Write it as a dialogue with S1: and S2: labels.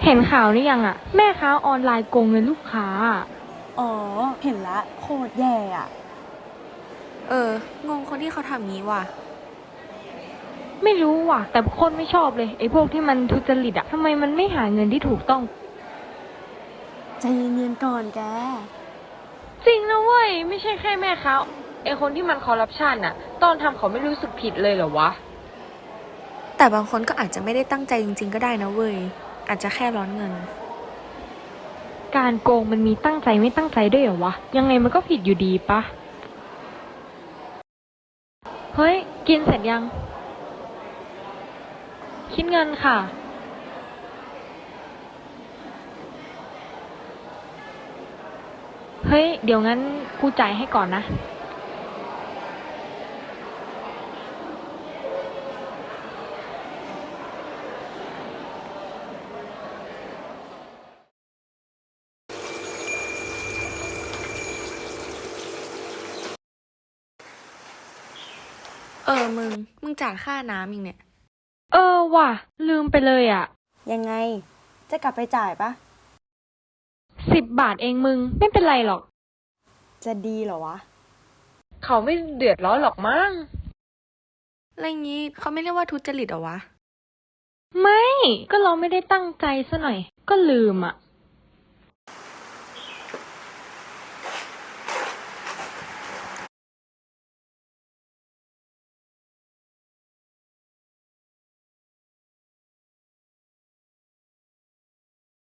S1: เห็นข่าวหรือยังอะแม่ค้าออนไลน์โกงเงินลูกค้า
S2: อ๋อ เห็นละโคตรแย่อะ
S3: งงคนที่เขาทำงี้ว่ะ
S1: ไม่รู้ว่ะแต่คนไม่ชอบเลยไอ้พวกที่มันทุจริตอะทำไมมันไม่หาเงินที่ถูกต้อง
S2: ใจเย็นๆก่อนแก
S1: จริงนะเว้ยไม่ใช่แค่แม่ค้าไอ้คนที่มันคอร์รัปชันอะตอนทำเขาไม่รู้สึกผิดเลยเหรอวะ
S3: แต่บางคนก็อาจจะไม่ได้ตั้งใจจริงๆก็ได้นะเว้ยอาจจะแค่ร้อนเงิน
S1: การโกงมันมีตั้งใจไม่ตั้งใจด้วยเหรอวะยังไงมันก็ผิดอยู่ดีปะเฮ้ยกินเสร็จยังคิดเงินค่ะเฮ้ยเดี๋ยวงั้นกูจ่ายให้ก่อนนะ
S3: มึงจ่ายค่าน้ำอีกเนี่ย
S1: ว่ะลืมไปเลยอ่ะ
S2: ยังไง จะกลับไปจ่ายปะ
S1: 10 บาทเองมึงไม่เป็นไรหรอก
S2: จะดีเหรอวะ
S1: เขาไม่เดือดร้อนหรอกมั้ง
S3: อะไรงี้เขาไม่เรียกว่าทุจริตเหรอวะ
S1: ไม่ก็เราไม่ได้ตั้งใจซะหน่อยก็ลืมอ่ะ